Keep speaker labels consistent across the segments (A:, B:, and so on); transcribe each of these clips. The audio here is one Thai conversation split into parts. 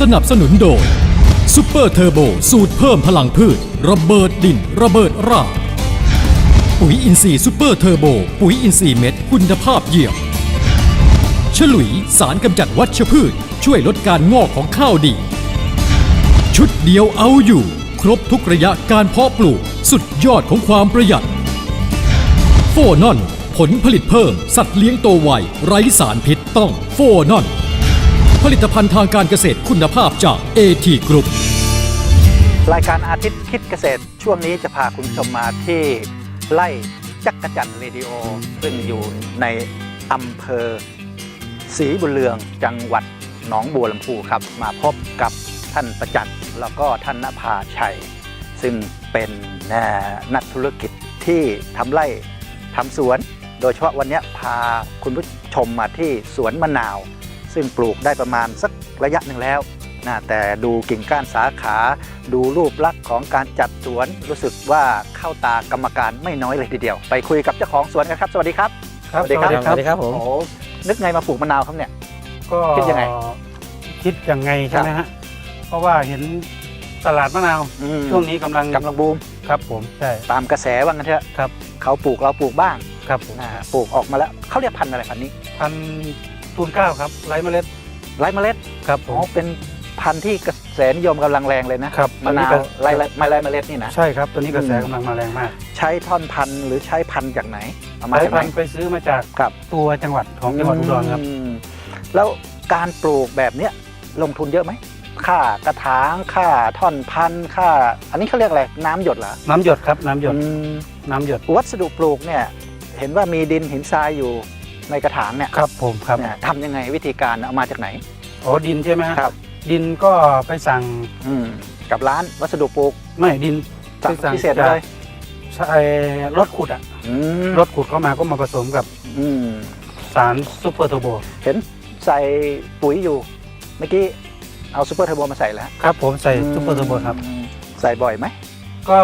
A: สนับสนุนโดยซุปเปอร์เทอร์โบสูตรเพิ่มพลังพืชระเบิดดินระเบิดรากปุ๋ยอินทรีย์ซุปเปอร์เทอร์โบปุ๋ยอินทรีย์เม็ดคุณภาพเยี่ยมฉลุยสารกำจัดวัชพืชช่วยลดการงอกของข้าวดีชุดเดียวเอาอยู่ครบทุกระยะการเพาะปลูกสุดยอดของความประหยัดโฟนอนผลผลิตเพิ่มสัตว์เลี้ยงโตไวไร้สารพิษต้องโฟนอนผลิตภัณฑ์ทางการเกษตรคุณภาพจาก AT Group
B: รายการอาทิตย์คิดเกษตรช่วงนี้จะพาคุณผู้ชมมาที่ไร่จักรจันทร์เรดิโอซึ่งอยู่ในอำเภอศรีบุญเรืองจังหวัดหนองบัวลำพูครับมาพบกับท่านประจักษ์แล้วก็ท่านณภาชัยซึ่งเป็นนักธุรกิจที่ทำไร่ทำสวนโดยเฉพาะวันนี้พาคุณผู้ชมมาที่สวนมะนาวซึ่งปลูกได้ประมาณสักระยะหนึ่งแล้วนะแต่ดูกิ่งก้านสาขาดูรูปลักษณ์ของการจัดสวนรู้สึกว่าเข้าตากรรมการไม่น้อยเลยทีเดียวไปคุยกับเจ้าของสวนกันครับสวัสดีครับ
C: สวัสดีครับผม
B: โอ้นึกไงมาปลูกมะนาวครับเนี่ย
C: ก็
B: คิดยังไง
C: ใช่ไหมฮะเพราะว่าเห็นตลาดมะนาวช่วงนี้กำลัง
B: บูม
C: ครับผมใช่
B: ตามกระแสว่างั้นเถอะ
C: ครับ
B: เขาปลูกเราปลูกบ้าง
C: ครับผม
B: ปลูกออกมาแล้วเขาเรียกพันธุ์อะไรพันธุ์นี้
C: พันธุ์ทูน9ครับไร้เมล็ดครับผม
B: เป็นพันธุ์ที่กระแสนิยมกำลังแรงเลยนะครับมะนาวไร้เมล็ดนี่นะ
C: ใช่ครับตัวนี้กระแสกำลังมาแรงมาก
B: ใช้ท่อนพันธุ์หรือใช้พันธุ์จากไหน
C: เอามาจากไหนไปซื้อมาจากตัวจังหวัดของจังหวัดอุดรครับ
B: แล้วการปลูกแบบเนี้ยลงทุนเยอะไหมค่ากระถางค่าท่อนพันธุ์ค่าอันนี้เขาเรียกอะไรน้ำหยดเหรอ
C: น้ำหยดครับน้ำหยด
B: วัสดุปลูกเนี่ยเห็นว่ามีดินหินทรายอยู่ในกระถางเนี่ย
C: ครับผมครับ
B: ทำยังไงวิธีการเอามาจากไหน
C: อ๋อดินใช่ไหม
B: ครับ
C: ดินก็ไปสั่ง
B: กับร้านวัสดุปลูก
C: ไม่ดิน
B: สั่งพิเศษเลย
C: ใช่รถขุดรถขุดเข้ามาก็มาผสมกับสารซุปเปอร์เทอร์โบ
B: เห็นใส่ปุ๋ยอยู่เมื่อกี้เอาซุปเปอร์เทอร์โบมาใส่แล้ว
C: ครับผมใส่ซุปเปอร์เทอร์โบครับ
B: ใส่บ่อยไหม
C: ก็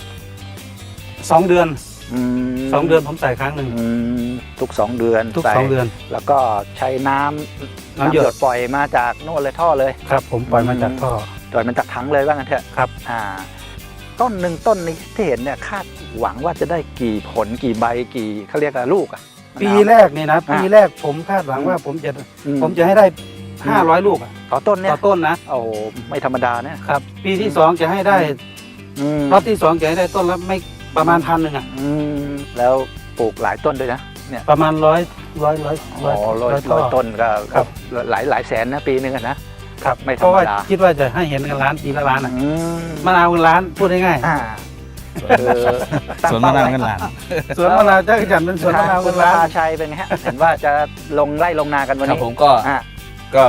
C: 2 เดือนผมใส่ครั้งหนึ่ง
B: ทุก2 เดือนแล้วก็ใช้น้ำหยดปล่อยมาจากโน่นเลยท่อเลย
C: ครับผมปล่อยมาจากท่อ
B: ปล่อยมันจากถังเลยว่างั้นเถอะ
C: ครับ
B: ต้นหนึ่งต้นนี้ที่เห็นเนี่ยคาดหวังว่าจะได้กี่ผลกี่ใบกี่เขาเรียกลูก
C: ปีแรกนี่นะปีแรกผมคาดหวังว่าผมจะให้ได้500 ลูก
B: ต่อต้นเนี่ย
C: ต่อต้นนะ
B: โอ้ไม่ธรรมดานะครับ
C: ปีที่2จะให้ได้รอบที่2จะให้ได้ต้นละไม่ประมาณ1,000
B: แล้วปลูกหลายต้นด้วยนะเนี่ย
C: ประมาณ100
B: ต้นก็หลายแสนนะปีนึงนะครับไม่ธรรมดา
C: คิดว่าจะให้เห็นกันล้านปีละล้านมะนาวกันล้านพูดง่าย
D: สวนมะนาวกันล้าน
C: สวนมะนาวจักรจันทร์เป็นสวนมะนาวกันล้าน
B: พาชัยเป็นไงฮะเห็นว่าจะลงไร่ลงนากันวันนี้
D: ผมก็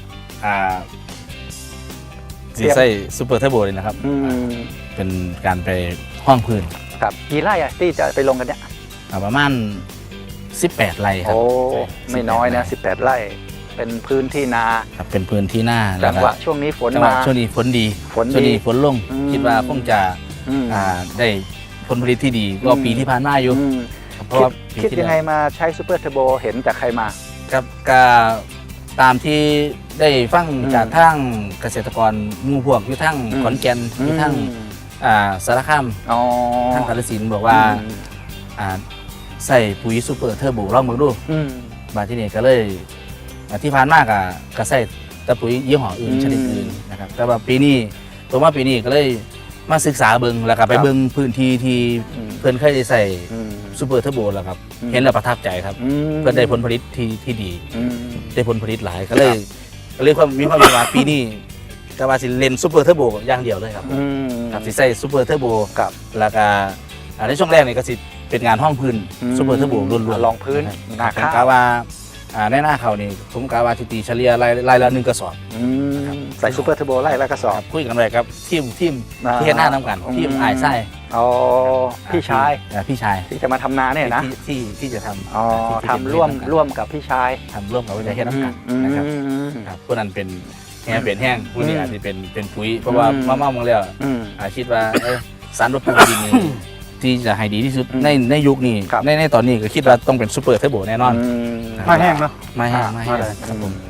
D: สีไส้ซูเปอร์เทอร์โบเลยนะครับเป็นการไปห้องพื้น
B: ครับกี่ไร่ที่จะไปลงกันเนี่ย
D: ประมาณ18 ไร่ครับ
B: โอ้ไม่น้อยนะ18 ไร่เป็นพื้นที่นา
D: ครับเป็นพื้นที่นา
B: จังหวะช่วงนี้ฝนมา
D: ช่วงนี้ฝนดีช่วงนี้ฝนลงคิดว่าคงจะได้ผลผลิตที่ดีกว่าปีที่ผ่านมาอยู่
B: เพราะว่าคิดยังไงมาใช้ซูเปอร์เทอร์โบเห็นจากใครมา
D: ครับก็ตามที่ได้ฟังจากทางเกษตรกรหมู่พวกอยู่ทั้งขอนแก่นอยู่ทั้งสารคามทั้งกาฬสินธุ์บอกว่าใส่ปุ๋ยซูเปอร์เทอร์โบลองมือดูบาที่นี่ก็เลยที่ผ่านมากก็ใส่แต่ปุ๋ยยี่ห้ออื่นชนิดอื่นนะครับแต่ว่าปีนี้ก็เลยมาศึกษาเบิ้งแล้วก็ไปเบิ้งพื้นที่ที่เพื่อนเคยได้ใส่ซูเปอร์เทอร์โบแล้วครับเห็นแล้วประทับใจครับเพื่อนได้ผลผลิตที่ดีได้ผลผลิตหลายก็เลยมีความว่าปีนี้ก็ว่าสิเล่นซูเปอร์เทอร์โบอย่างเดียวเลยครับสิใส่ซูเปอร์เทอร์โบแล้วก็ในช่วงแรกนี่ก็สิเป็นงานห้องพื้นซูเปอร์เทอร์โบล้วน
B: ๆลองพื้น
D: ผมกะว่าในหน้าเขานี่ผมกะว่าตีเฉลี่ยรายละ1 กระสอบ
B: ใส่ซูเปอร์เทอร์โบไล่ละกระสอบ
D: คุยกันเลยครับทีมที่เห็นหน้าน้ำกันทีมไอ้ไส้
B: พี่ชายที่จะมาทำนาเนี่ยนะ
D: ที่จะทำ
B: ทำร่วมกับพี่ชาย
D: ทำร่วมกับวิทยาเฮ็ดน้ำกันนะครับพวกนั้นเป็นแห้งผู้นี้อาจจะเป็นปุ๋ยเพราะว่ามาๆมองแล้วคิดว่าสารรบกวนดินนี่ที่จะให้ดีที่สุดในยุคนี้ในตอนนี้ก็คิดว่าต้องเป็นซูเปอร์เทอร์โบแน่นอน
C: ไม่แห้งเนาะ
D: ไม่แห้งครับผม
B: กับ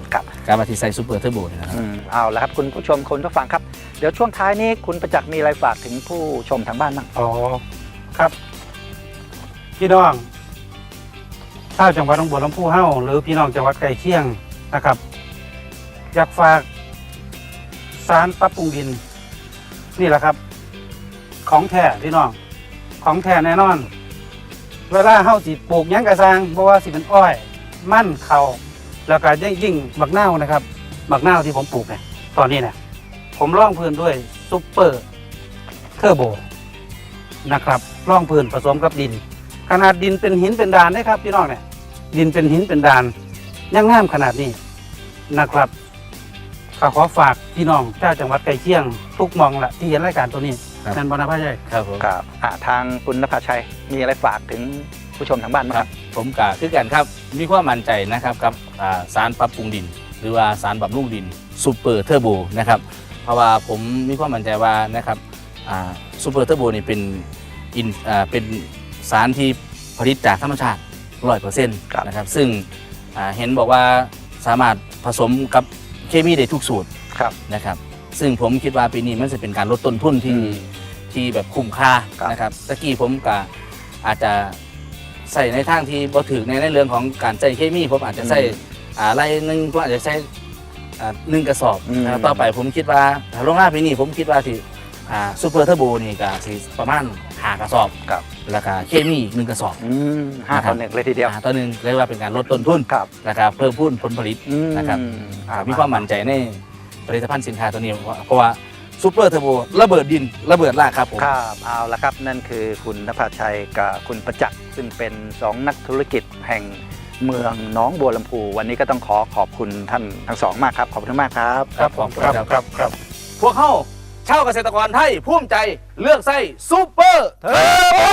D: การมาที่ใส่ซูเปอร์เทอร์โบนะครับ
B: เอาละครับคุณผู้ชมคุณผู้ฟังครับเดี๋ยวช่วงท้ายนี้คุณประจักษ์มีอะไรฝากถึงผู้ชมทางบ้านบ้าง
C: อ๋อครับพี่น้องชาวจังหวัดหนองบัวลำพูเฮ้าหรือพี่น้องจังหวัดใกล้เคียงนะครับ อยากฝากสารปรับปรุงดิน นี่แหละครับ ของแท้พี่น้องของแท้แน่นอน เวลาเฮ้าสิปลูกหยังกระซังเพราะว่าสิเป็นอ้อยมั่นเขาแล้วก็ยิ่งบักนาวนะครับบักนาวที่ผมปลูกเนี่ยตอนนี้เนี่ยผมร่องพื้นด้วยซุปเปอร์เทอร์โบนะครับร่องพื้นผสมกับดิน ขนาดดินเป็นหินเป็นดานนะครับพี่น้องเนี่ยดินเป็นหินเป็นดานยังงามขนาดนี้นะครับก็ขอฝากพี่น้องเจ้าจังหวัดใกล้เคียงทุกหมองละที่เห็นรายการตัวนี้
D: ครับ
C: นั่นบรรพใหญ่
D: ครับผม
B: ครับทางคุณนภาชัยมีอะไรฝากถึงผู้ชมทางบ้านบ้าง
D: ค
B: ค
D: รั
B: รั
D: บบ ผมกะคือกันครับมีความมั่นใจนะครับกับสารปรับปรุงดิน หรือว่าสารบำรุงดินซูเปอร์เทอร์โบนะครับเพราะว่าผมมีความมั่นใจว่านะครับซูเปอร์เทอร์โบนี่เป็นสารที่ผลิตจากธรรมชาติ 100% นะครับซึ่งเห็นบอกว่าสามารถผสมกับเคมีได้ทุกสูตร
B: ครับ
D: นะครับซึ่งผมคิดว่าปีนี้มันจะเป็นการลดต้นทุนที่แบบคุ้มค่า
B: ครับ
D: นะครับตะกี้ผมก็อาจจะใส่ในทางที่บ่ถึงในเรื่องของการใส่เคมีผมอาจจะใส่ไรหนึ่งผมอาจจะใส่1 กระสอบนะครับต่อไปผมคิดว่าโรงงานปีนี้ผมคิดว่าที่ซูเปอร์เทอร์โบนี่ก็สิประมาณ5 กระสอบ
B: ครับ
D: แล้วก็เคมีอีก1 กระสอบ
B: 5 ต่อ 1เลยทีเดียว
D: ต่อหนึ่งเรียกว่าเป็นการลดต้นทุน
B: ครับ
D: นะครับเพิ่มพูนผลผลิตนะครับมีความมั่นใจในผลิตภัณฑ์สินค้าตัวนี้เพราะว่าซูเปอร์เทอร์โบระเบิดดินระเบิดรากครับผม
B: ครับเอาละครับนั่นคือคุณนภาชัยกับคุณประจักษ์ซึ่งเป็น2นักธุรกิจแห่งเมืองหนองบัวลำพูวันนี้ก็ต้องขอบคุณท่านทั้งสองมากครับขอบคุณมากครับ
C: ครับผมครับ
D: พวกเขาชาวเกษตรกรไทยภูมิใจเลือกไส้ซูเปอร์เทอร์โบ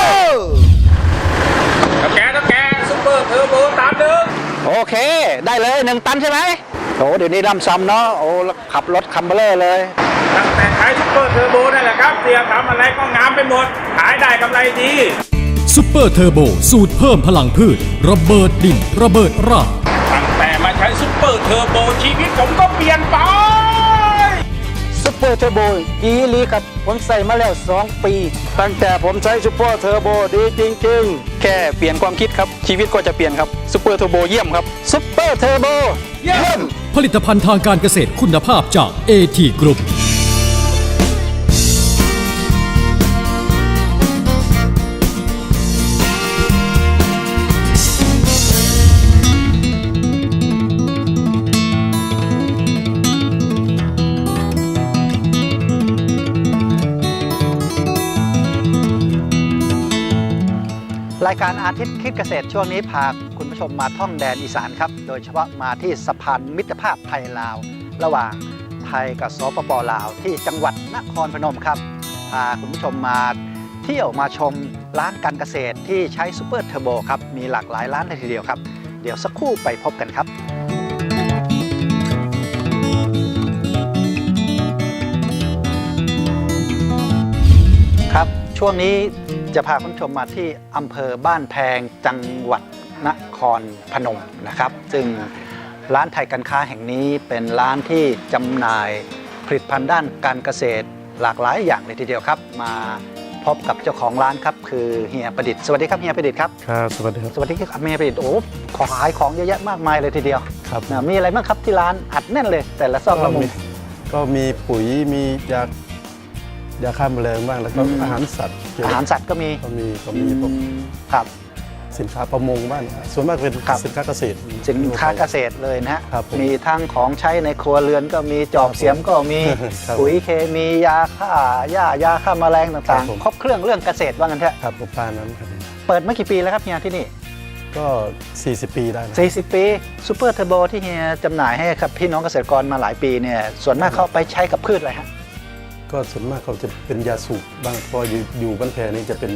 E: แกซุปเปอร์เทอร์โบตามหนึ่ง
B: โอเค ได้เลย1 ตันใช่ไหมโอ้เดี๋ยวนี้ร่ำซ้ำเนาะโอ้ขับรถคัมเบอร์เลอร์เลย
E: ตั้งแต่ขายซุปเปอร์เทอร์โบนั่นแหละครับเสียทำอะไรก็งามไปหมด ขายได้กำไรดี
A: ซุปเปอร์เทอร์โบสูตรเพิ่มพลังพืช ระเบิดดิน ระเบิดราก
E: ตั้งแต่มาใช้ซุปเปอร์เทอร์โบชีวิตผมก็เปลี่ยนไป
B: ซุปเปอร์เทอร์โบดีลีครับผมใส่มาแล้ว2 ปีตั้งแต่ผมใช้ซุปเปอร์เทอร์โบดีจริงๆแค่เปลี่ยนความคิดครับชีวิตก็จะเปลี่ยนครับซุปเปอร์เทอร์โบเยี่ยมครับซุปเปอร์เทอร์โบเยี่ยม
A: ผลิตภัณฑ์ทางการเกษตรคุณภาพจาก AT Group
B: รายการอาทิตย์คิดเกษตรช่วงนี้พาคุณผู้ชมมาท่องแดนอีสานครับโดยเฉพาะมาที่สะพานมิตรภาพไทยลาว ระหว่างไทยกับสปปลาวที่จังหวัดนครพนมครับพาคุณผู้ชมมาเที่ยวมาชมร้านการเกษตรที่ใช้ซูเปอร์เทอร์โบครับมีหลากหลายร้านเลยทีเดียวครับเดี๋ยวสักครู่ไปพบกันครับครับช่วงนี้จะพาคุณผู้ชมมาที่อำเภอบ้านแพงจังหวัดนครพนมนะครับซึ่งร้านไทยการค้าแห่งนี้เป็นร้านที่จำหน่ายผลิตภัณฑ์ด้านการเกษตรหลากหลายอย่างเลยทีเดียวครับมาพบกับเจ้าของร้านครับคือเฮียประดิษฐ์สวัสดีครับเฮียประดิษฐ์ครับ
F: ครับสวัสดีครับ
B: สวัสดีครับเฮียประดิษฐ์โอ้ของขายของเยอะแยะมากมายเลยทีเดียว
F: ครับ
B: นะมีอะไรบ้างครับที่ร้านอัดแน่นเลย แต่ละซอกละมุม
F: ก็มีปุ๋ยมียาฆ่าแมลงบ้างแล้วก็อาหารสัตว์
B: อาหารสัตว์ก็มี
F: ก็มีพวก
B: ครับ
F: สินค้าประมงบ้างส่วนมากเป็น
B: ครับ
F: สินค้าเกษตร
B: สินค้าเกษตรเลยนะฮะ
F: ครับผม
B: มีทั้งของใช้ในครัวเรือนก็มีจอบเสียมก็มี
F: ครับ
B: ปุ๋ยเคมียาฆ่าหญ้ายาฆ่าแมลง
F: ครั
B: ต่าง
F: บผม
B: ๆ ครบเครื่องเรื่องเกษตรว่างั้นเถอะ
F: ครับประมาณนั้นครับ
B: เปิดมากี่ปีแล้วครับเฮียที่นี่
F: ก็ 40 ปีได้นะ
B: 40 ปีซูเปอร์เทอร์โบที่เฮียจำหน่ายให้กับพี่น้องเกษตรกรมาหลายปีเนี่ยส่วนมากเขาไปใช้กับพืชอะไรฮะ
F: ก็ส่วนมากเขาจะเป็นยาสูบบ้างเพออยู่บ้านแพนี่จะเป็น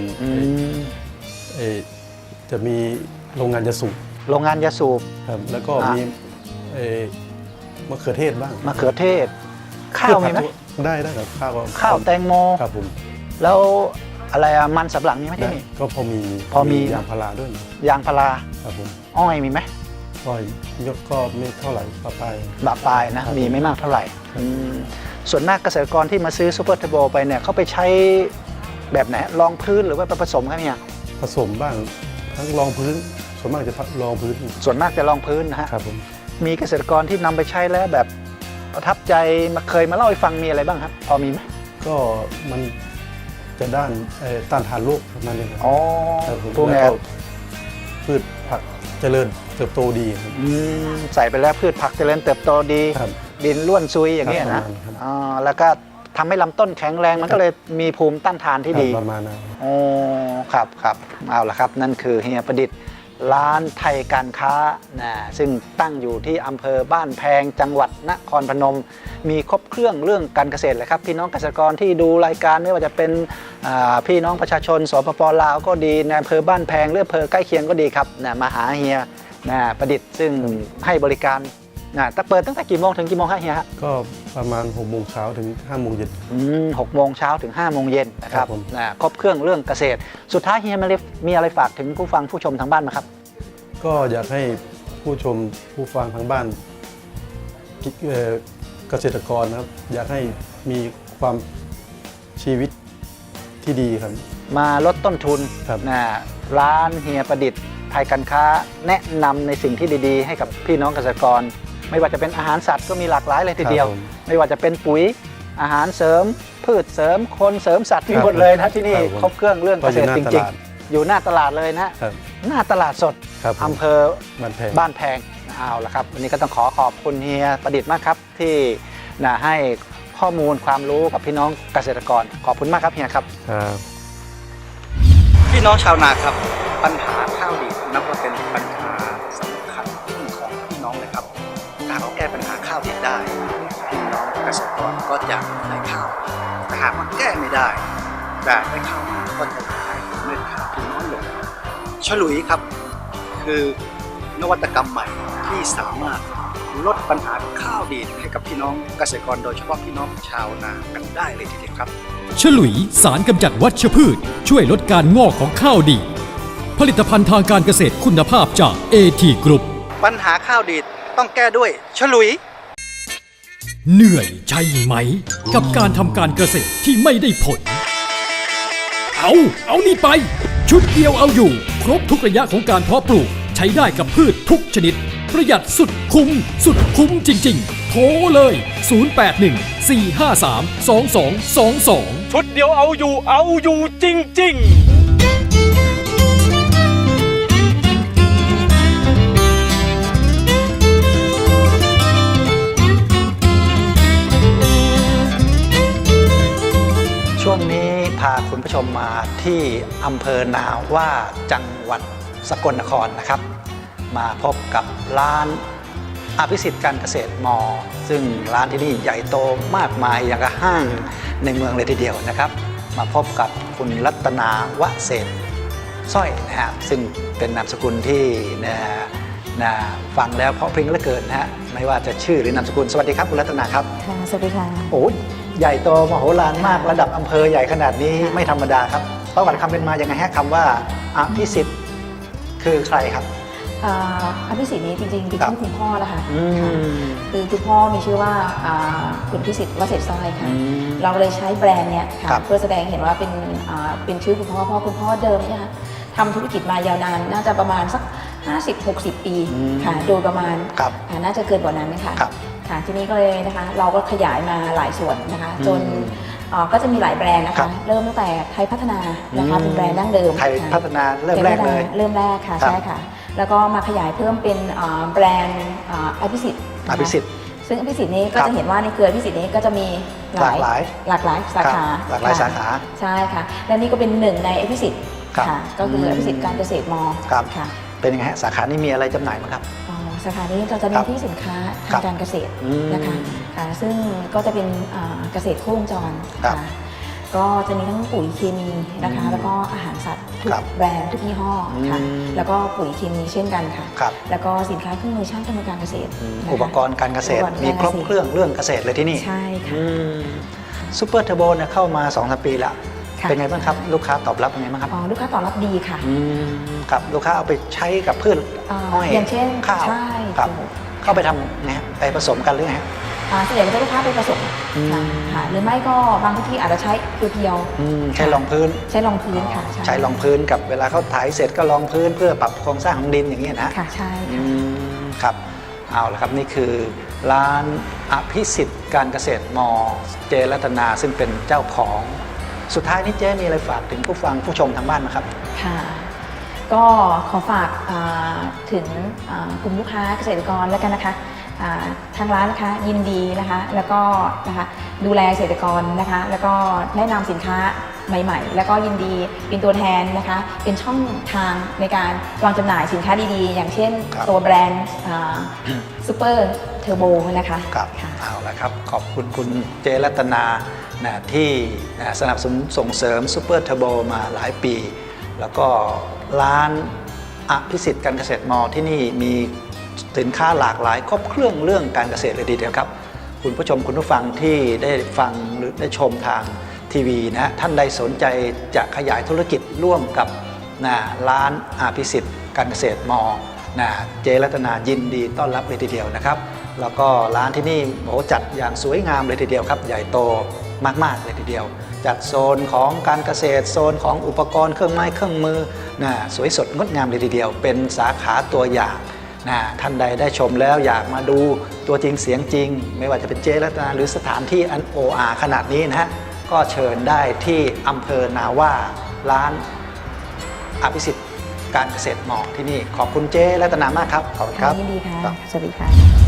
F: จะมีโรงงานยาสูบ
B: โรงงานยาสูบ
F: ครับแล้วก็มีมะเขือเทศบ้าง
B: มะเขือเทศ ข้าวมีไหม
F: ได้ครับข้าว
B: ข้าวแตงโม
F: ครับผม
B: แล้วอะไรอะมันสำปะหลังมีไหมที่นี่
F: ก็พอมี
B: พอมี
F: ยางพาราด้วยนะ
B: ยางพารา
F: ครับผม
B: อ้อยมีไหม
F: ก็ยศก็ไม่เท่าไหร่ปลาย
B: บาปลายนะมีไม่มากเท่าไหร่ส่วนมากเกษตรกรที่มาซื้อซูเปอร์เทอร์โบไปเนี่ยเขาไปใช้แบบไหนรองพื้นหรือว่าไปผสมครับเนี่ย
F: ผสมบ้างทั้งรองพื้นส่วนมากจะรองพื้น
B: ส่วนมากจะรองพื้นนะฮะ
F: ครับผม
B: มีเกษตรกรที่นำไปใช้แล้วแบบประทับใจเคยมาเล่าให้ฟังมีอะไรบ้างครับพอมีไหม
F: ก็มันจะด้านต้านทานโรคประมาณนี้ครับ
B: อ๋อ
F: ครับผม
B: พวก
F: แล้
B: นี้
F: วก็พืชผักเจริญเติบโตดีครับ
B: ใส่ไปแล้วพืชผักเจริญเติบโตดี
F: ครับ
B: ดินร่วนซุยอย่างนี้ย
F: ครั
B: นะ
F: บประมาณนั้นครับ
B: อ๋อแล้วก็ทำให้ลำต้นแข็งแรงมันก็เลยมีภูมิต้านทานที่ดี
F: ประมาณนั้น
B: โอ้ครับครับเอาละครับนั่นคือเฮียประดิษฐ์ร้านไทยการค้านะซึ่งตั้งอยู่ที่อำเภอบ้านแพงจังหวัดนครพนม มีครบเครื่องเรื่องการเกษตรเลยครับพี่น้องเกษตรกรที่ดูรายการไม่ว่าจะเป็นพี่น้องประชาชนสปปลาวก็ดีในอำเภอบ้านแพงหรืออำเภอใกล้เคียงก็ดีครับนะมาหาเฮียนะประดิษฐ์ซึ่งให้บริการนะเปิดตั้งแต่กี่โมงถึงกี่โมงครับเฮียฮะ
F: ก็ประมาณ6 โมงเช้าถึง5 โมงเย็น
B: 6 โมงเช้าถึง 5 โมงเย็นนะครับ
F: ครับผม
B: ครบเครื่องเรื่องเกษตร สุดท้ายเฮียมาเลฟมีอะไรฝากถึงผู้ฟังผู้ชมทางบ้านไหมครับ
F: ก็อยากให้ผู้ชมผู้ฟังทางบ้านเกษตรกรนะครับ อยากให้มีความชีวิตที่ดีครับ
B: มาลดต้นทุน
F: ครับ
B: นะร้านเฮียประดิษฐ์ไทยการค้าแนะนำในสิ่งที่ดีๆ ให้กับพี่น้องเกษตรกร ไม่ว่าจะเป็นอาหารสัตว์ก็มีหลากหลายเลยทีเดียว
F: ครับผม
B: ไม่ว่าจะเป็นปุ๋ยอาหารเสริม พืชเสริมคนเสริมสัตว์มีหมดเลยนะที่นี่
F: ครับผม
B: ครบเครื่องเรื่องเกษตร
F: ก็
B: จ
F: อยู่หน้า
B: ริง
F: ตลาด
B: ๆ อยู่หน้าตลาดเลยนะ
F: ครับ
B: หน้าตลาดสด
F: ครับผม
B: อำเภอ
F: บ้านแพง
B: บ้านแพงเอาละครับวันนี้ก็ต้องขอบคุณเฮียประดิษฐ์มากครับที่ให้ข้อมูลความรู้กับพี่น้องเกษตรกรขอบคุณมากครับเฮียครับ
F: ครับ
B: พี่น้องชาวนาครับปัญหาข้าวดีนับว่าเป็นปัญหาสำคัญของพี่น้องเลยครับถ้าเราแก้ปัญหาข้าวดีได้พี่น้องเกษตรกรก็จะได้ข้าวแต่หากว่าแก้ไม่ได้แต่ได้ข้าวมาก็จะขายเม็ดข้าวที่น้อยลงฉลุยครับคือนวัตกรรมใหม่ที่สามารถลดปัญหาข้าวดีให้กับพี่น้องเกษตรกรโดยเฉพาะพี่น้องชาวนากันได้เลยทีเดียวครับ
A: ฉลุยสารกำจัดวัชพืช ช่วยลดการงอกของข้าวดี ผลิตภัณฑ์ทางการเกษตรคุณภาพจาก AT Group
B: ปัญหาข้าวดีดต้องแก้ด้วยฉลุย
A: เหนื่อยใช่ไหม กับการทำการเกษตรที่ไม่ได้ผล เอานี่ไป ชุดเดียวเอาอยู่ ครบทุกระยะของการเพาะปลูก ใช้ได้กับพืชทุกชนิด ประหยัดสุดคุ้มจริงๆ โทรเลย 081-453-2222
E: ชุดเดียวเอาอยู่จริง ๆ
B: ช่วงนี้พาคุณผู้ชมมาที่อำเภอนาว่าจังหวัดสกลนครนะครับ มาพบกับร้านอภิสิทธิ์การเกษตรมอ ซึ่งร้านที่นี่ใหญ่โตมากมายอย่างกับห้างในเมืองเลยทีเดียวนะครับ มาพบกับคุณรัตนาวเศรษฐ์สร้อยนะฮะซึ่งเป็นนามสกุลที่ฟังแล้วเพราะพริ้งเหลือเกินนะฮะไม่ว่าจะชื่อหรือนามสกุลสวัสดีครับคุณรัตนาครับ
G: ค่ะสวัสดีค่ะ
B: โอ้ใหญ่โตมโหฬารมากระดับอำเภอใหญ่ขนาดนี้ไม่ธรรมดาครับประวัติความเป็นมายังไงฮะคำว่าอภิสิทธิ์คือใครครับ
G: อภิสิทธิ์นี้จริงๆเป็น
B: ครับ
G: ชื่อคุณพ่อแล้วค่ะ
B: อืม
G: ค่ะคือคุณพ่อมีชื่อว่าคุณพิสิทธิ์วเศรษฐ์สร้อยค่ะ
B: อืม
G: เราเลยใช้แบรนด์เนี้ยค่ะ
B: ครับ
G: เพื่อแสดงเห็นว่าเป็นชื่อคุณพ่อเพราะคุณพ่อเดิมเนี่ยค่ะทำธุรกิจมายาวนานน่าจะประมาณสัก 50-60 ปีค่ะโดยประมาณ
B: ครับ
G: น่าจะเกินกว่านั้นค่ะ
B: ครับ
G: ค่ะทีนี้ก็เลยนะคะเราก็ขยายมาหลายส่วนนะคะจนก็จะมีหลายแบรนด์นะ
B: ครั
G: คะ
B: บ
G: เริ่มตั้งแต่ไทยพัฒนานะคะเป็นแบรนด์ดั้งเดิม
B: ไทย
G: ค่ะ
B: พัฒนาเริ่มแรกเลย
G: เริ่มแรกค่ะ
B: ครับ
G: ใช่ค่ะ แล้วก็มาขยายเพิ่มเป็นแบรนด์อภิสิทธิ์
B: อภิสิทธิ์
G: ซึ่งอภิสิทธิ์นี้ก็
B: ครับ
G: จะเห็นว่าในเครืออภิสิทธิ์นี้ก็จะมี
B: หลากหลาย
G: สาขา
B: หลากหลาย
G: ค่ะ
B: สาขา
G: ใช่ค่ะ และนี่ก็เป็นหนึ่งในอภิสิทธิ์
B: ครับ
G: ค่ะก็คืออภิสิทธิ์การเกษตรม
B: ครับ
G: ค่ะ
B: เป็นยังไงฮะสาขานี้มีอะไรจำหน่ายบ้างครับ
G: สาขานี้เราจะ
B: ค
G: เน้
B: รั
G: น
B: บ
G: ที่สินค้า
B: ครั
G: ทา
B: บ
G: งการเกษตร
B: อืม
G: นะคะค่ะซึ่งก็จะเป็นเกษตรครบวงจร
B: ครับ
G: ค่ะก็จะมีทั้งปุ๋ยเคมีนะคะแล้วก็อาหารสัตว์ทุก
B: ครับ
G: แบรนด์ทุกยี่ห้อค่ะ
B: อืม
G: แล้วก็ปุ๋ยเคมีเช่นกันค่ะ
B: ครับ
G: แล้วก็สินค้าเครื่องมือช่างทำการเกษตรนะคะ
B: อุปกรณ์การเกษตร
G: อุปกณ์
B: มี
G: กา
B: ครบ
G: กษต
B: เครื่องเรื่องเกษตรเลยที่นี่
G: ใช่ค่ะ
B: ซูเปอร์เทอร์โบเนี่ยเข้ามา 2-3 ปีแล้ว
G: ค่ะ
B: เป็นไงบ้างครับลูกค้าตอบรับเป็นไงบ้างครับ
G: อ๋อลูกค้าตอบรับดีค่ะ
B: ครับลูกค้าเอาไปใช้กับพืชอ้อย
G: อย่างเช่น
B: ข้าว
G: ใช่
B: ครับ
G: ถูก
B: เข้าไปทำไงฮะไปผสมกันหรือไงฮะ
G: ส่วนใหญ่ก็จะลูกค้าไปผสม
B: อืม
G: ค่ะหรือไม่ก็บางที่อาจจะใช้เพียว
B: ใช้รองพื้น
G: ๆใช้รองพื้นค่ะ
B: ใช้รองพื้นกับเวลาเขาถ่ายเสร็จก็รองพื้นเพื่อปรับโครงสร้างของดินอย่างนี้ยนะ
G: ค่ะใช่
B: อื
G: ค่ะ
B: มครับเอาละครับนี่คือร้านอภิสิทธิ์การเกษตรมเจรัตนาซึ่งเป็นเจ้าของสุดท้ายนี้เจ๊มีอะไรฝากถึงผู้ฟังผู้ชมทางบ้านไหมครับ
G: ค่ะ ก็ขอฝากถึงกลุ่มลูกค้าเกษตรกรแล้วกันนะคะทางร้านนะคะยินดีนะคะแล้วก็นะคะดูแลเกษตรกรนะคะแล้วก็แนะนำสินค้าใหม่ๆ แล้วก็ยินดีเป็นตัวแทนนะคะเป็นช่องทางในการวางจำหน่ายสินค้าดีๆ อย่างเช่น
B: ครับ
G: ตัวแบรนด์ซูเปอร์เทอร์โบนะคะ
B: ครับ
G: ค่ะ
B: เอาละครับขอบคุณคุณเจรัตนานะที่สนับสนุนส่งเสริมซูเปอร์เทอร์โบมาหลายปี แล้วก็ร้านอภิสิทธิ์การเกษตรมที่นี่มีสินค้าหลากหลายครบเครื่องเรื่องการเกษตรเลยทีเดียวครับคุณผู้ชมคุณผู้ฟังที่ได้ฟังหรือได้ชมทางทีวีนะท่านใดสนใจจะขยายธุรกิจร่วมกับร้านอภิสิทธิ์การเกษตรมเจรัตนายินดีต้อนรับเลยทีเดียวนะครับแล้วก็ร้านที่นี่จัดอย่างสวยงามเลยทีเดียวครับใหญ่โตมากๆเลยทีเดียวจัดโซนของการเกษตรโซนของอุปกรณ์เครื่องไม้เครื่องมือสวยสดงดงามเลยทีเดียวเป็นสาขาตัวอย่างท่านใดได้ชมแล้วอยากมาดูตัวจริงเสียงจริงไม่ว่าจะเป็นเจรัตนาหรือสถานที่อันโออาขนาดนี้นะฮะก็เชิญได้ที่อำเภอนาว่าร้านอภิสิทธิ์การเกษตรมที่นี่ขอบคุณเจรัตนามากครับขอบคุณครับ
G: ยินดีค่ะ
B: ครับ
G: สวัสดีค่ะ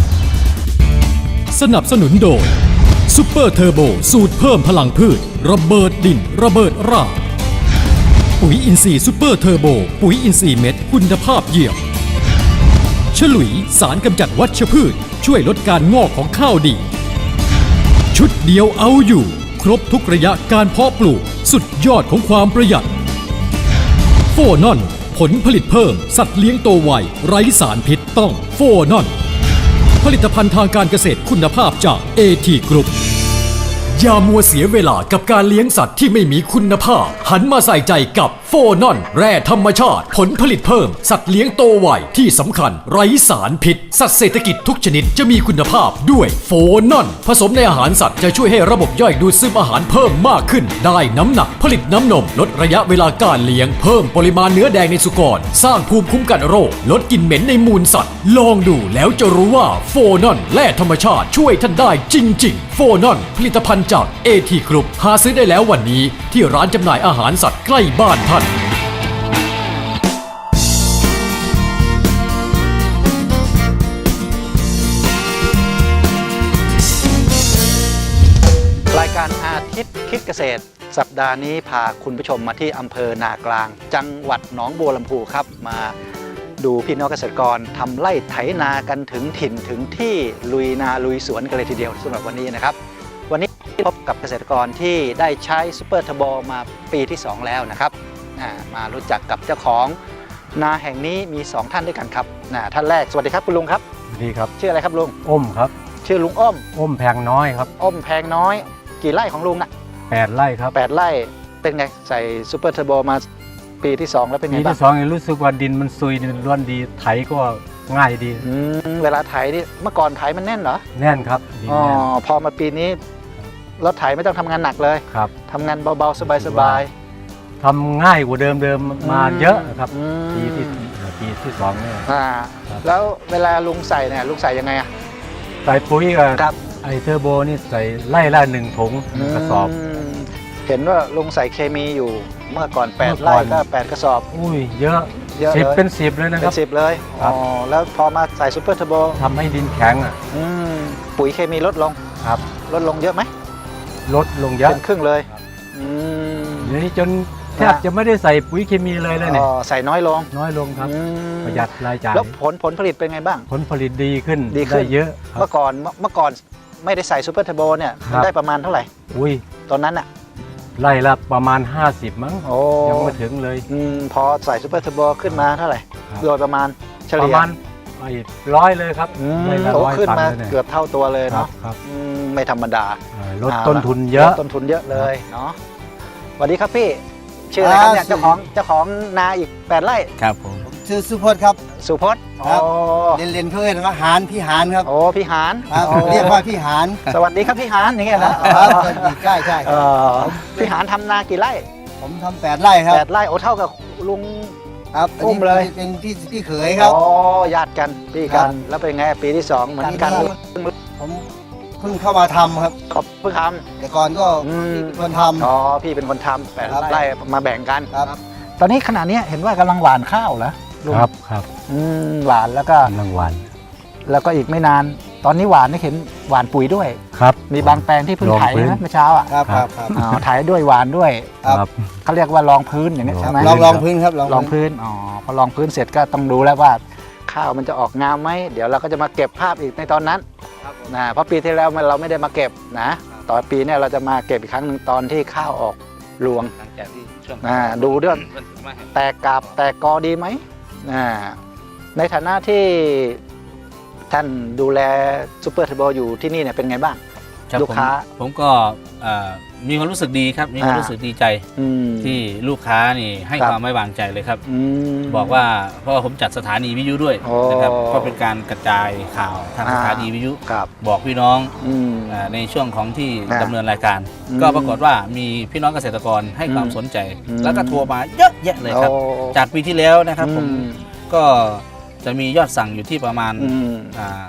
A: สนับสนุนโดยซูเปอร์เทอร์โบสูตรเพิ่มพลังพืชระเบิดดินระเบิดรากปุ๋ยอินทรีย์ซูเปอร์เทอร์โบปุ๋ยอินทรีย์เม็ดคุณภาพเยี่ยมฉลุยสารกำจัดวัชพืชช่วยลดการงอกของข้าวดี ชุดเดียวเอาอยู่ครบทุกระยะการเพาะปลูกสุดยอดของความประหยัดโฟนอนผลผลิตเพิ่มสัตว์เลี้ยงโตไวไร้สารพิษต้องโฟนอนผลิตภัณฑ์ทางการเกษตรคุณภาพจาก AT Group อย่ามัวเสียเวลากับการเลี้ยงสัตว์ที่ไม่มีคุณภาพหันมาใส่ใจกับโฟนอนแร่ธรรมชาติผลผลิตเพิ่มสัตว์เลี้ยงโตไวที่สำคัญไร้สารพิษสัตว์เศรษฐกิจทุกชนิดจะมีคุณภาพด้วยโฟนอนผสมในอาหารสัตว์จะช่วยให้ระบบย่อยดูดซึมอาหารเพิ่มมากขึ้นได้น้ำหนักผลิตน้ำนมลดระยะเวลาการเลี้ยงเพิ่มปริมาณเนื้อแดงในสุกรสร้างภูมิคุ้มกันโรคลดกลิ่นเหม็นในมูลสัตว์ลองดูแล้วจะรู้ว่าโฟนอนแร่ธรรมชาติช่วยท่านได้จริงๆโฟนอนผลิตภัณฑ์จาก AT Group หาซื้อได้แล้ววันนี้ที่ร้านจำหน่ายอาหารสัตว์ใกล้บ้านท่าน
B: รายการอาทิตย์คิดเกษตร สัปดาห์นี้พาคุณผู้ชมมาที่อำเภอนากลาง จังหวัดหนองบัวลำพูครับมาดูพี่น้องเกษตรกรทำไร่ไถนากันถึงถิ่นถึงที่ลุยนาลุยสวนกันเลยทีเดียวสำหรับวันนี้นะครับวันนี้พบกับเกษตรกรที่ได้ใช้ซูเปอร์เทอร์โบมาปีที่ 2 แล้วนะครับมารู้จักกับเจ้าของนาแห่งนี้มี 2 ท่านด้วยกันครับท่านแรกสวัสดีครับคุณลุงครับ
C: ดีครับ
B: ชื่ออะไรครับลุง
C: อ้มครับ
B: ชื่อลุงอ้อม
C: อ้มแพงน้อยครับ
B: อ้อมแพงน้อยกี่ไร่ของลุงนะ
C: 8 ไร่ครับ
B: 8 ไร่เป็นไงใส่ซูเปอร์เทอร์โบมาปีที่ 2 แล้วเป็นไง
C: ปี
B: บ้าง
C: ที่สองรู้สึกว่าดินมันซุยดินร่วนดีไถก็ง่ายดี
B: เวลาไถนี่เมื่อก่อนไถมันแน่นเหรอ
C: แน่นครับดิน
B: อ๋อ
C: แน่น
B: พอมาปีนี้รถไถไม่ต้องทำงานหนักเลย
C: ครับ
B: ทำงานเบาๆสบาย
C: ทำง่ายกว่าเดิมมาเยอะครับ
B: อืม
C: ปีที่สองเนี่ย ครับ
B: แล้วเวลาลุงใส่เนี่ยลุงใส่ยังไงอะ
C: ใส่ปุ๋ยกับ
B: ครับ
C: ไอเทอร์โบนี่ใส่ไล่ละ1 ถุงกระสอบ
B: มเห็นว่าลุงใส่เคมีอยู่เมื่อก่อน
C: เมื่อ
B: 8
C: ก่
B: ไร่
C: อน
B: ก็ 8 กระสอบ
C: อุ้ยเยอะ
B: เยอะ
C: สิบ
B: เลย
C: เป็น10เลยนะค
B: เป็
C: รับ
B: น10 เลย
C: ครับ
B: อ๋อแล้วพอมาใส่ซูเปอร์เทอร์โบ
C: ทำให้ดินแข็งอ่ะ
B: ปุ๋ยเคมีลดลง
C: ครับ
B: ลดลงเยอะไหม
C: ลดลงเยอะ
B: เป็นครึ่งเลย อืม
C: เดี๋ยวนี้จนแทบจะไม่ได้ใส่ปุ๋ยเคมีเลยแล้วเนี่ย
B: ใส่น้อยลง
C: น้อยลงครับ
B: อืม
C: ประหยัดรายจ่าย
B: แล้วผลผลิตเป็นไงบ้าง
C: ผลผลิตดีขึ้น
B: ดีขึ้น
C: ได้เยอะครั
B: เมื่
C: บ
B: อก่อนไม่ได้ใส่ซูเปอร์เทอร์โบเนี่ย
C: ครับ
B: ได้ประมาณเท่าไหร่
C: อุ้ย
B: ตอนนั้นอ่ะ
C: ไล่ละประมาณ 50 มั้ง
B: โอ้
C: ยังไม่ถึงเลย
B: พอใส่ซูเปอร์เทอร์โบขึ้นมาเท่าไหร่
C: ครับ
B: โดยประมาณเฉ
C: ป
B: ลี่
C: ระ
B: ย
C: มาณ100เลยครับ
B: อืม
C: ไล่ละ
B: โต
C: 100
B: ขึ้น
C: ตัน
B: มา
C: เลยเนี่ย
B: เกือบเท่าตัวเลย
C: ครั
B: เนาะ
C: บครับ
B: ไม่ธรรมดา
C: ลดต้นทุนเยอะ
B: ลดต้นทุนเยอะเลยเนาะวัสดีครับพี่ชื่ออะไรครับเนี่ยเจ้าของนาอีก8 ไร่
D: ครับผม
H: ชื่อสุพจน์ครับ
B: สุพจน์
H: ครับ
B: อ๋อ
H: เรียนเขาเรียกว่าหานพี่หานครับ
B: โอ้พี่หาน
H: ครับ
B: อ๋อ
H: เรียกว่าพี่หาน
B: สวัสดีครับพี่หานอย่างเงี้ยนะ
H: ครับใช่ใช่
B: เออพี่หานทำนากี่ไร่
H: ผมทำ8 ไร่ครับ
B: 8 ไร่โอ้เท่ากับลุง
H: ครับอัน
B: อุ้
H: นี้
B: มเลย
H: เป็นพี่เขยครับ
B: อ๋อญาติกันพี่กัน แล้วเป็นไงปีที่2เหมือนกัน
H: ผมเพิ่งเข้ามาทำครับ
B: ขอบเพิ่งท
H: แต่ก่อนก็
B: ำอืม
H: เป็นคนท
B: อ๋อพี่เป็นคนทำ
H: ครับ
B: 8 ไร่มาแบ่งกัน
H: ำครับ
B: ตอนนี้ขณะนี้เห็นว่ากำลังหว่านข้าวเหรอลุง
C: ครับครับ
B: หวานแล้วก็
C: รางวัล
B: แล้วก็อีกไม่นาน ตอนนี้หวานนี่เห็นหวานปุ๋ยด้วย
C: ครับ
B: มีบางแปลงที่เพิ่งไถ
C: ลองพื้น
B: นะเมื่อเช้าอ่ะ
H: ครับครับครับ
B: อ๋อไถด้วยหวานด้วย
H: ครับ
B: เขาเรียกว่ารองพื้นอย่างนี้ใช่ไหม
H: ลองพื้นครับ
B: รองพื้นอ๋อพอรองพื้นเสร็จก็ต้องดูแล้วว่าข้าวมันจะออกงามไหมเดี๋ยวเราก็จะมาเก็บภาพอีกในตอนนั้นนะเพราะปีที่แล้วเราไม่ได้มาเก็บนะต่อปีเนี่ยเราจะมาเก็บอีกครั้งหนึ่งตอนที่ข้าวออกรวง
D: หลังจากที่ช่วง
B: ดูเรื่องแตกกาบแตกกอดีไหมในฐานะที่ท่านดูแลซูเปอร์เทอร์โบอยู่ที่นี่เนี่ยเป็นไงบ้าง
D: ครับ
B: ลูกค้า
D: ผมก็มีความรู้สึกดีครับมีความรู้สึกดีใจ
B: อืม
D: ที่ลูกค้านี่ให้
B: ครับ
D: ความไว้วางใจเลยครับ
B: อืม
D: บอกว่าเพราะว่าผมจัดสถานีวิทยุด้วย
B: โอ้
D: นะครับก็เป็นการกระจายข่าวทางสถานีวิทยุ
B: ครับ
D: บอกพี่น้อง
B: อืม
D: ในช่วงของที่
B: อ่า
D: ดำเนินรายการ
B: อืม
D: ก็ปรากฏว่ามีพี่น้องเกษตรกรให้ความ
B: อืม
D: สนใจ
B: อืม
D: แล้วก็โทรมาเยอะแยะเลยครับ
B: โอ้
D: จากปีที่แล้วนะครับผม
B: อืม
D: ก็จะมียอดสั่งอยู่ที่ประมาณ
B: อืม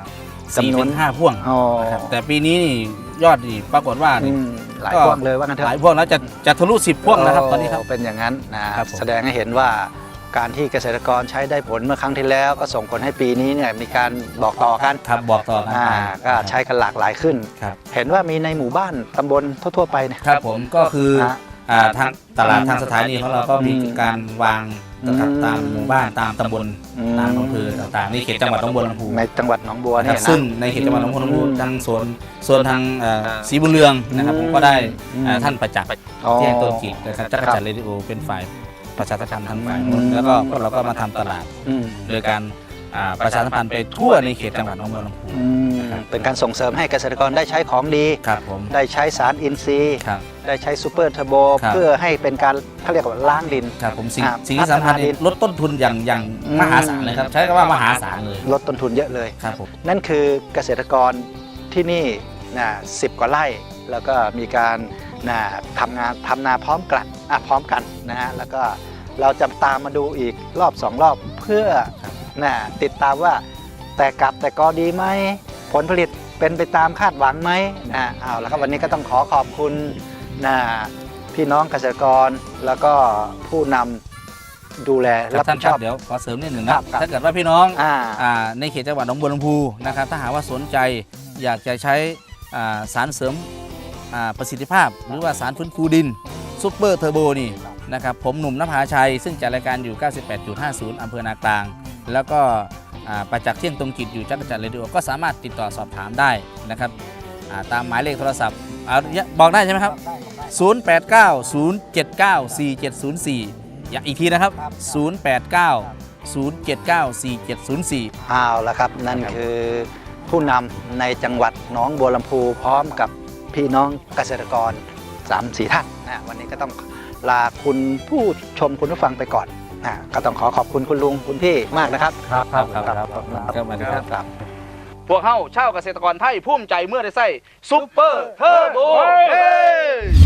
D: 4
B: จำนวน
D: ถึง 5 พ่วง
B: อ๋อ
D: นะครับแต่ปีนี้นี่ยอดนี่ปรากฏว่า
B: อื
D: นี่
B: มหลาย
D: ก็
B: พวงเลยว่างั้นเถ
D: หลาย
B: อะ
D: พ่วงแล้วจะทะลุ10 พ่วงแล้วครับตอนนี้ครับ
B: เป็นอย่างนั้นนะครับ
D: ผม
B: แสดงให้เห็นว่าการที่เกษตรกรใช้ได้ผลเมื่อครั้งที่แล้ว ก็ส่งผลให้ปีนี้เนี่ยมีการบอกต่อกัน
D: ครับบอกต่อกันไป
B: ก็ใช้กันหลากหลายขึ้น
D: ครับ
B: เห็นว่ามีในหมู่บ้านตำบลทั่วๆไปเนี่ย
D: ครับผมก็คือ
B: ฮะ
D: ทางตลาดทางสถานีของเราก็มีการวางนะครับ
B: อืม
D: ตามหมู่บ้านตามตำบล
B: อืม
D: ตามอำเภอต่างๆนี่เขตจังหวัดหนองบัวลำพู
B: ในจังหวัดหนองบัว
D: นะค
B: เนี่
D: รับ
B: ยนะ
D: ซึ่งในเขตจังหวัดหนองบัวลำพูทางโซนทางศรีบุญเรืองนะครับผมก็ได้
B: อืม
D: ท่านประจักษ์
B: อ๋อ
D: แจ้งต้นจิตนะครับจักรจันทร์เรดิโอเป็นฝ่ายประชาสัมพันธ์ทางฝ่ายนู้นแล้วก็พวกเราก็มาทำตลาด
B: อืม
D: โดยการประชาสัมพันธ์ไปทั่วในเขตจังหวัดหนองบัวลำพู
B: อืมเป็นการส่งเสริมให้เกษตรกรได้ใช้ของดี
D: ครับผม
B: ได้ใช้สารอินทรีย์
D: ครับ
B: ได้ใช้ซูเปอร์เทอร์โบ
D: ครับ
B: เพื่อให้เป็นการเขาเรียกว่าล้างดิน
D: ครับผมสิ่ง
B: ครับ
D: สิ่งที่สำคัญ
B: พัฒนาดิ
D: นี่
B: น
D: ลดต้นทุนอย่าง
B: อืม
D: มหาศาลเลยครับใช้คำว่ามหาศาลเลย
B: ลดต้นทุนเยอะเลย
D: ครับผม
B: นั่นคือเกษตรกรที่นี่นะ10 กว่าไร่ แล้วก็มีการนะทำนาพร้อมกันนะฮะแล้วก็เราจะตามมาดูอีกรอบ2 รอบเพื่อนะติดตามว่าแต่กลับแต่กอดีไหมผลผลิตเป็นไปตามคาดหวังไหมนะเอาแล้วครับวันนี้ก็ต้องขอขอบคุณนะพี่น้องเกษตรกรแล้วก็ผู้นำดูแล
D: ครั
B: รั
D: บบ ท่า
B: ผิ
D: น
B: ด
D: ค
B: ช
D: รั
B: อ
D: บบ เดี๋ยวขอเสริมนิดหนึ่งนะครับ ถ้าเกิดว่าพี่น้อง
B: อ่า
D: ในเขตจังหวัดหนองบัวลำพูนะครับถ้าหากว่าสนใจอยากจะใช้สารเสริมประสิทธิภาพ หรือว่าสารฟื้นฟูดินซุปเปอร์เทอร์โบนี่นะครับผมหนุ่มนภาชัย ซึ่งจัดรายการอยู่ 98.50 อำเภอนากลาง แล้วก็ประจักษ์เที่ยงตรงจิตอยู่จักรจันทร์เรดิโอก็สามารถติดต่อสอบถามได้นะครับตามหมายเลขโทรศัพท์บอกได้ใช่ไหมครับ 0890794704 อีกทีนะครับ 0890794704
B: เอาละครับนั่นคือผู้นำในจังหวัดหนองบัวลำพูพร้อมกับพี่น้องเกษตรกร 3-4 ท่านนะวันนี้ก็ต้องลาคุณผู้ชมคุณผู้ฟังไปก่อนก็ต้องขอบคุณคุณลุงคุณพี่มากนะครับ
D: ครับครับครับครับ พวกเข้าเช่าเกษตรกรไทยภูมิใจเมื่อได้ใส่ซุปเปอร์เทอร์โบ